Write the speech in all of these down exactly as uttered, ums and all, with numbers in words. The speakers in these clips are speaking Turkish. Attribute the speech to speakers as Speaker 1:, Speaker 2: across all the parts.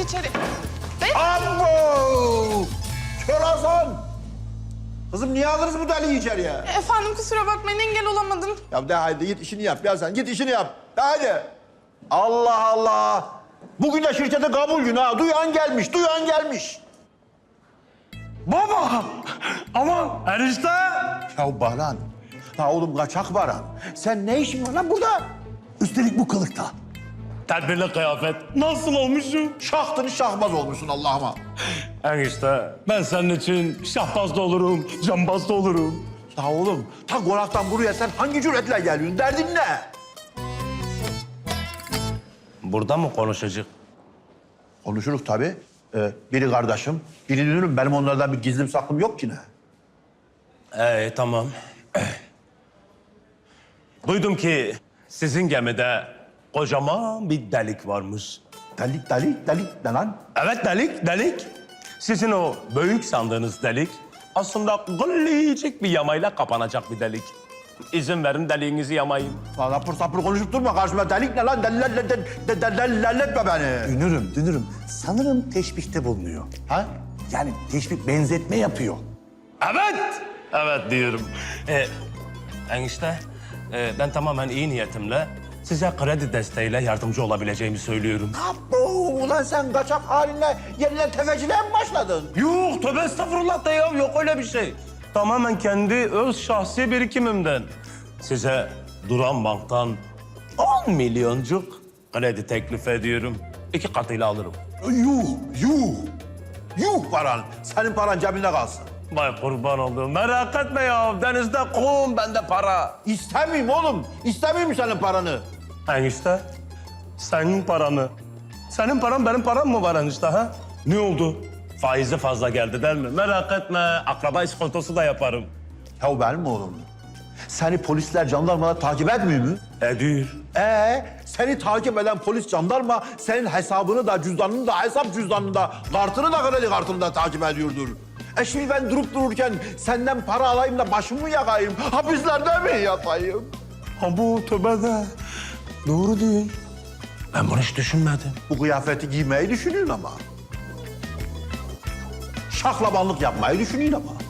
Speaker 1: hadi içeri. Bey.
Speaker 2: Abo! Kör Hasan! Kızım niye alırız bu deliği içeriye?
Speaker 1: Efendim kusura bakmayın engel olamadım.
Speaker 2: Ya de haydi git işini yap ya sen. Git işini yap. De haydi. Allah Allah! Bugün de şirkete kabul günü ha. Duyan gelmiş, duyan gelmiş.
Speaker 3: Baba! Aman enişte!
Speaker 2: Ya Baran, ha oğlum kaçak Baran. Sen ne işin var lan burada? Üstelik bu kılıkta.
Speaker 3: Tedbirli kıyafet. Nasıl olmuşum?
Speaker 2: Şahtın şahbaz olmuşsun Allah'ıma.
Speaker 3: Enişte ben senin için şahbaz da olurum, cambaz da olurum.
Speaker 2: Ya oğlum, ta konaktan buraya sen hangi cüretle geliyorsun? Derdin ne?
Speaker 3: Burada mı konuşacak?
Speaker 2: Konuşuruz tabii. Ee, biri kardeşim, biri dünürüm. Benim onlardan bir gizlim saklım yok ki ne?
Speaker 3: Ee tamam. Duydum ki sizin gemide kocaman bir delik varmış.
Speaker 2: Delik, delik, delik ne lan?
Speaker 3: Evet delik, delik. Sizin o büyük sandığınız delik aslında gıllicik bir yamayla kapanacak bir delik. İzin verin deliğinizi yamayayım.
Speaker 2: Lan sapır sapır konuşup durma karşıma. Delik ne lan? Delilerle de, de, de, delilerletme beni.
Speaker 4: Dünürüm, dünürüm. Sanırım teşbihte bulunuyor.
Speaker 2: Ha?
Speaker 4: Yani teşbih benzetme yapıyor.
Speaker 3: Evet, evet diyorum. Ee, enişte, e, ben tamamen iyi niyetimle size kredi desteğiyle yardımcı olabileceğimi söylüyorum.
Speaker 2: Abo, ulan sen kaçak halinle yeniden tefeciliğe mi başladın?
Speaker 3: Yok, tövbe estağfurullah da ya, yok öyle bir şey. Tamamen kendi öz şahsi birikimimden. Size Duran Bank'tan on milyoncuk kredi teklif ediyorum. İki katıyla alırım.
Speaker 2: Yuh, yuh. Yuh Baran. Senin paran cebinde kalsın.
Speaker 3: Vay kurban olduğum, merak etme ya. Denizde kum, bende para.
Speaker 2: İstemeyeyim oğlum. İstemeyeyim senin paranı.
Speaker 3: Enişte, senin paranı. Senin paran benim param mı var enişte ha? Ne oldu? Faizi fazla geldi değil mi? Merak etme, akraba iskontosu da yaparım.
Speaker 2: Ya benim oğlum. Seni polisler, jandarmalar takip etmiyor mu?
Speaker 3: Ediyor.
Speaker 2: Ee, seni takip eden polis, jandarma senin hesabını da, cüzdanını da, hesap cüzdanını da, kartını da, kredi kartını da takip ediyordur. E şimdi ben durup dururken senden para alayım da başımı yakayım, hapislerde mi yatayım?
Speaker 3: Ha bu tövbe de. Doğru değil. Ben bunu hiç düşünmedim.
Speaker 2: Bu kıyafeti giymeyi düşünüyorsun ama. Şaklabanlık yapmayı düşünüyorsun ama.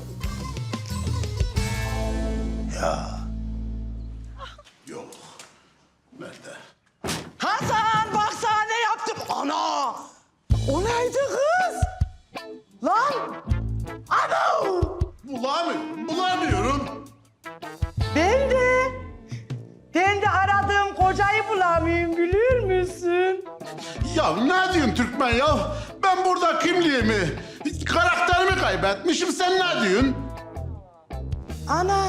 Speaker 2: Ya. Yok. Nerede?
Speaker 5: Hasan bak sana ne yaptım. Ana! O neydi kız? Lan! Ana!
Speaker 6: Bulamıyorum, bulamıyorum.
Speaker 5: Ben de. Ben de aradığım kocayı bulamıyorum biliyor musun?
Speaker 6: Ya ne diyorsun Türkmen ya? Ben burada kimliğimi, karakterimi kaybetmişim. Sen ne diyorsun?
Speaker 5: Ana!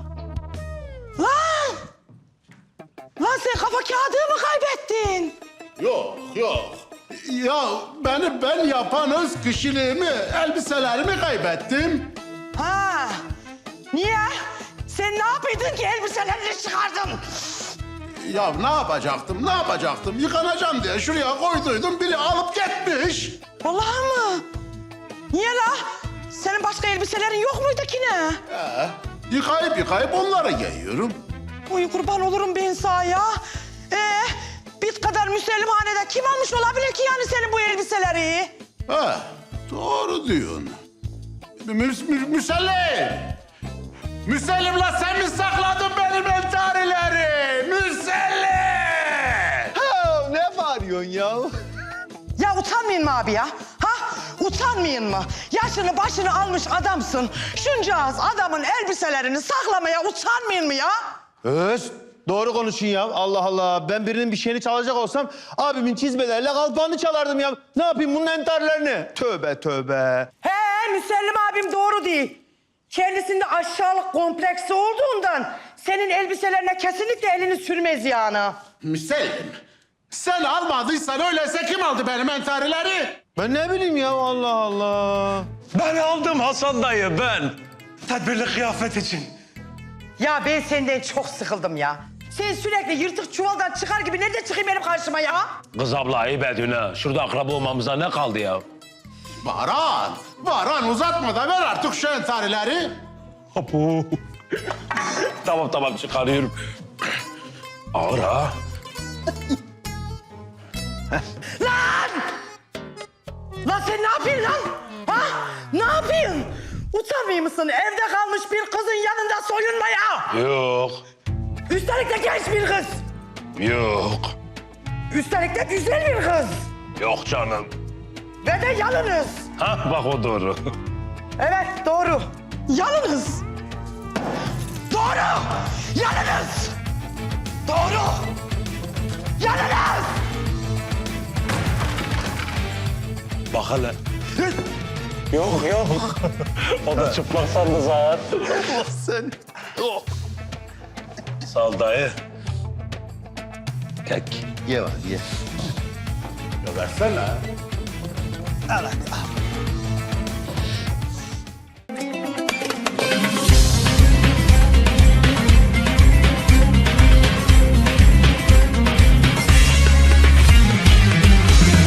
Speaker 5: Lan! Lan sen kafa kağıdı mı kaybettin?
Speaker 6: Yok, yok. Ya beni ben yapan öz kişiliğimi, elbiselerimi kaybettim.
Speaker 5: Ha! Niye? Sen ne yapıyordun ki elbiselerini çıkardın?
Speaker 6: Ya ne yapacaktım, ne yapacaktım? Yıkanacağım diye şuraya koyduydum, biri alıp gitmiş.
Speaker 5: Vallahi mı? Niye la? Senin başka elbiselerin yok muydu ki ne?
Speaker 6: He, yıkayıp yıkayıp onları giyiyorum.
Speaker 5: Uy kurban olurum ben sana ya. Ee, biz kadar müsellimhanede kim almış olabilir ki yani senin bu elbiseleri?
Speaker 6: He, doğru diyorsun. Mü mü müsellim! Müsellim la sen mi sakladın benim entarileri? Müsellim!
Speaker 2: Ha, ne bağırıyorsun ya?
Speaker 5: Ya utanmayın mı abi ya? Ha? Utanmayın mı? Yaşını başını almış adamsın. Şuncağız adamın elbiselerini saklamaya utanmayın mı ya?
Speaker 7: Öz, doğru konuşun ya. Allah Allah. Ben birinin bir şeyini çalacak olsam abimin çizmelerle kalpağını çalardım ya. Ne yapayım bunun entarlarını? Tövbe tövbe.
Speaker 5: He Müsellim abim doğru değil. Kendisinde aşağılık kompleksi olduğundan senin elbiselerine kesinlikle elini sürmez yani.
Speaker 6: Müsellim, sen almadıysan öyleyse kim aldı benim entarileri?
Speaker 7: Ben ne bileyim ya Allah Allah.
Speaker 3: Ben aldım Hasan dayı, ben. Tedbirli kıyafet için.
Speaker 5: Ya ben senden çok sıkıldım ya. Sen sürekli yırtık çuvaldan çıkar gibi nerede çıkayım benim karşıma ya?
Speaker 3: Kız abla ayıp ediyorsun ha. Şurada akraba olmamıza ne kaldı ya?
Speaker 6: Baran, Baran uzatma da ver artık şu entarileri.
Speaker 3: Apo. Tamam tamam çıkarıyorum. Ağır ha.
Speaker 5: Lan! ne yapayım lan? Ha? Ne yapayım? Utanmıyor musun evde kalmış bir kızın yanında soyunmaya?
Speaker 3: Yok.
Speaker 5: Üstelik de genç bir kız.
Speaker 3: Yok.
Speaker 5: Üstelik de güzel bir kız.
Speaker 3: Yok canım.
Speaker 5: Ve de yalınız.
Speaker 3: Ha bak o doğru.
Speaker 5: Evet doğru. Yalınız. Doğru. Yalınız. Doğru. Yalınız.
Speaker 3: Bak hele. Yok yok. O da çıplak sandı zaten.
Speaker 7: Allah sen.
Speaker 3: Yok. Sağ ol dayı. Kek.
Speaker 7: Ye var ye.
Speaker 3: Ya versene.
Speaker 7: Al hadi al.